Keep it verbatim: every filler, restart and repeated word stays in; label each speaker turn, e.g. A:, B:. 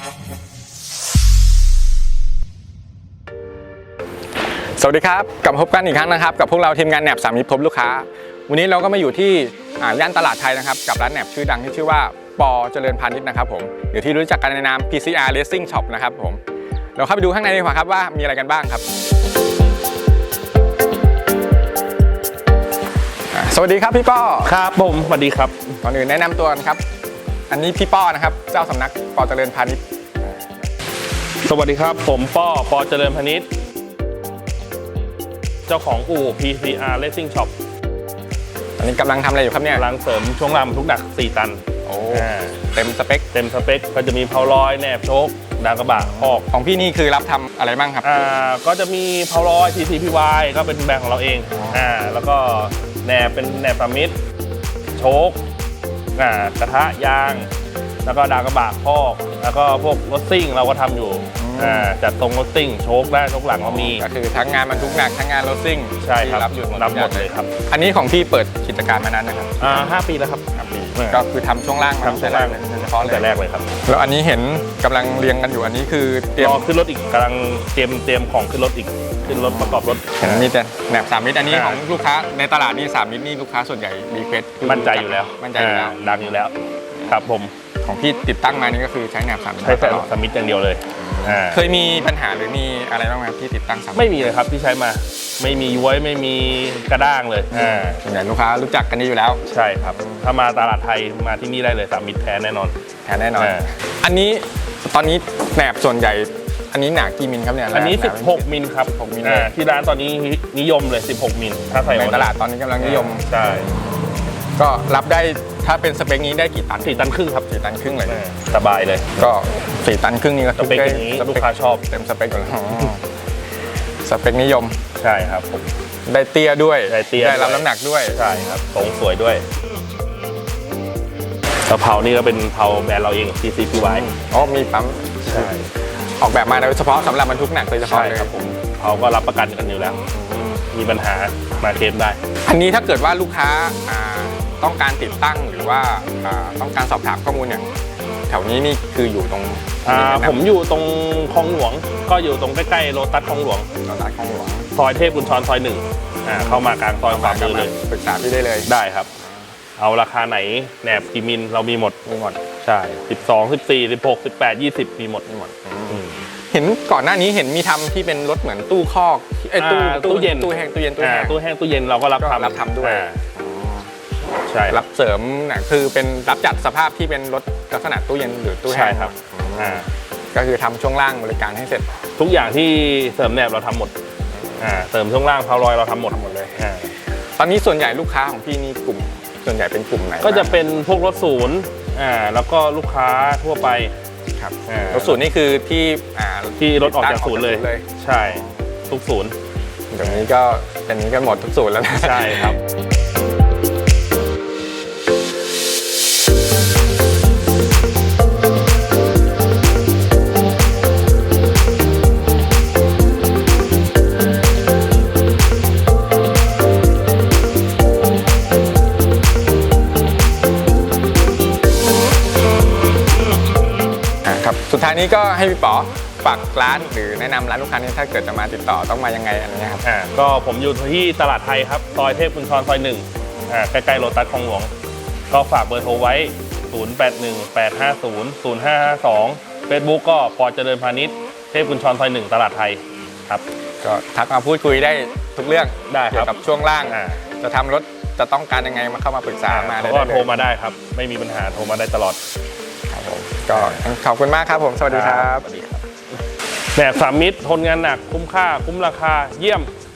A: สวัสดีครับกลับมาพบกันอีกครั้งนะครับกับพวกเราทีมงานแหนบสามมิตรพบลูกค้าวันนี้เราก็มาอยู่ที่ย่านตลาดไทยนะครับกับร้านแหนบชื่อดังที่ชื่อว่าปอเจริญพาณิชย์นะครับผมหรือที่รู้จักกันในนาม พี ซี อาร์ Racing Shop นะครับผมเราเข้าไปดูข้างในดีกว่าครับว่ามีอะไรกันบ้างครับสวัสดีครับพี่ป้อ
B: ครับผมสวัสดีครับ
A: ก่อนอื่นแนะนำตัวกันครับอันนี้พี่ป้อนะครับเจ้าสำนักปอเจริญพาณิชย์
B: สวัสดีครับผมป้อปอเจริญพาณิชย์เจ้าของอู่ พี ซี อาร์ Racing Shop
A: อันนี้กำลังทำอะไรอยู่ครับเนี่ย
B: กำลังเสริมช่วงล่างบรรทุกหนักสี่ตัน
A: โอ้เต็มสเปค
B: เต็มสเปคก็จะมีเพาลอยแหนบโชคดาวกระบะคอก
A: ของพี่นี่คือรับทำอะไรบ้างครับ
B: อ่าก็จะมีเพาลอย ที ซี พี วาย ก็เป็นแบรนด์ของเราเองอ่าแล้วก็แหนบเป็นแหนบสามมิตรโชคอ่ากระทะยางแล้วก็ดาวกระบะคอกแล้วก็พวกรถซิ่งเราก็ทำอยู่อ่าจัดตรงรถซิ่งโชคได้โชคหลังเรามี
A: ก็คือทั้งงานบรรทุกหนักทั้งงานรถซิ่ง
B: ใช่ครับ
A: รับอยู่
B: รับหมดเลยครับ
A: อันนี้ของพี่เปิดกิจการมานานนะครับ
B: อ่าห้าปีแล้วครับ
A: ห้าปีก็คือทำช่วงล่างมาตั้งแต่แรกเลยเฉพาะ
B: ตั้งแต่แรกเลยครับ
A: แล้วอันนี้เห็นกำลังเรียงกันอยู่อันนี้คือ
B: เตรียมขึ้นรถอีกกำลังเตรียมเตรียมของขึ้นรถอีกขึ้นรถประกอบรถ
A: เห็นมีแต่แหนบสามมิตรอันนี้ของลูกค้าในตลาดนี่สามมิตรนี่ลูกค้าส่วนใหญ่รีเควส
B: มั่นใจอยู่แล้ว
A: มั่นใจอยู่แล้ว
B: ดังอยู่แล้วครับผม
A: ของพี่ติดตั้งมานี่ก็คือใช้แหนบสามมิตร
B: ใช้แหนบสามมิตรอย่างเดียวเลย
A: เคยมีปัญหาหรือมีอะไรบ้างไหมที่ติดตั้งสามมิตร
B: ไม่มีเลยครับที่ใช้มาไม่มีย้วยไม่มีกระด้างเลย
A: ส่วนใหญ่ลูกค้ารู้จักกันนี้อยู่แล้ว
B: ใช่ครับถ้ามาตลาดไทยมาที่นี่ได้เลยสามมิตรแท้แน่นอน
A: แท้แน่นอนอันนี้ตอนนี้แหนบส่วนใหญ่อันนี้หนากี่มิลครับเนี่ย
B: อันนี้สิบหกมิลครับ
A: หกมิล
B: ที่ร้านตอนนี้นิยมเลยสิบหกมิลถ้าใส่
A: ในตลาดตอนนี้กำลังนิยม
B: ใช่
A: ก็รับได้ถ้าเป็นสเปคนี้ได้กี่ตัน
B: สี่ตันครึ่งครับ
A: สี่ตันครึ่งเลย
B: สบายเลย
A: ก็สี่ตันครึ่งนี่ก็
B: สเปคนี้ลูกค้าชอบ
A: เต็มสเปคอยู่แล้วสเปคนิยม
B: ใช่ครับผม
A: ได้เตี้ยด้วย
B: ได้เตี้ย
A: ได้รับน้ำหนักด้วย
B: ใช่ครับทรงสวยด้วยกระเพรานี่ก็เป็นเพราแบรนด์เราเอง ที ซี พี วาย
A: อ๋อมีปั๊ม
B: ใช่
A: ออกแบบมาโดยเฉพาะสำหรับบรรทุกหนักโดยเฉพาะเลย
B: ครับผมเขาก็รับประกันกันอยู่แล้วมีปัญหามาเคลมได้
A: อันนี้ถ้าเกิดว่าลูกค้าต้องการติดตั้งหรือว่าต้องการสอบถามข้อมูลเนี่ยแถวนี้นี่คืออยู่ตรง
B: ผมอยู่ตรงคลองหลวงก็อยู่ตรงใกล้ๆโลตัสคลองหลวง
A: โลตัสคลองหลวง
B: ซอยเทพกุญชรซอยหนึ่งเข้ามากลางซอยขวามือเลย
A: ปรึกษาพี่ได้เลย
B: ได้ครับเอาราคาไหนแหนบกี่มิลเรามีหมด
A: มีหมด
B: ใช่สิบสอง สิบสี่ สิบหก สิบแปด ยี่สิบมีหมด
A: มีหมดเห็นก่อนหน้านี้เห็นมีทำที่เป็นรถเหมือนตู้คอกไอ้ตู้
B: ตู้เย็น
A: ตู้แห้งตู้เย็นตู้แห้ง
B: ตู้แห้งตู้เย็นเราก็รับทำ
A: รับทำด้วย
B: ใช่
A: รับเสริมนะคือเป็นรับจัดสภาพที่เป็นรถลักษณะตู้เย็นหรือตู้แห้ง
B: ใช่ครับ
A: ก็คือทำช่วงล่างบริการให้เสร็จ
B: ทุกอย่างที่เสริมแหนบเราทำหมดเสริมช่วงล่างเพาลอยเราทำหมด
A: หมดเลยตอนนี้ส่วนใหญ่ลูกค้าของพี่นี่กลุ่มส่วนใหญ่เป็นกลุ่มไหน
B: ก็จะเป็นพวกรถศูนย์แล้วก็ลูกค้าทั่วไป
A: ครับรถศูนย์นี่คือที่
B: ที่รถออกจากศูนย์เลยใช่ทุกศูนย์
A: เดี๋ยวนี้ก็เป็นนี้กันหมดทุกศูนย์แล้วนะ
B: ใช่ครับ
A: สุดท้ายนี้ก็ให้พี่ป๋อฝากร้านหรือแนะนำร้านลูกค้านี้ถ้าเกิดจะมาติดต่อต้องมายังไงอะไรเงี้ยครับ
B: อ่าก็ผมอยู่ที่ตลาดไทยครับซอยเทพกุญชรซอยหนึ่งอ่าใกล้ๆโลตัสคลองหลวงก็ฝากเบอร์โทรไว้ศูนย์ แปด หนึ่ง แปด ห้า ศูนย์ ศูนย์ ห้า ห้า สอง Facebook ก็ปอเจริญพาณิชย์เทพกุญชรซอยหนึ่งตลาดไทยครับ
A: ก็ทักมาพูดคุยได้ทุกเรื่อง
B: ได้
A: เกี่ยวกับช่วงล่างจะทำรถจะต้องการยังไงมาเข้ามาปรึกษามาได้
B: ก็โทรมาได้ครับไม่มีปัญหาโทรมาได้ตลอด
A: ครับผมก็ขอบคุณมากครับผมสวัสดีครับ
B: สวัสดีครับแหนบสามมิตรทนงานหนักคุ้มค่าคุ้มราคาเยี่ยม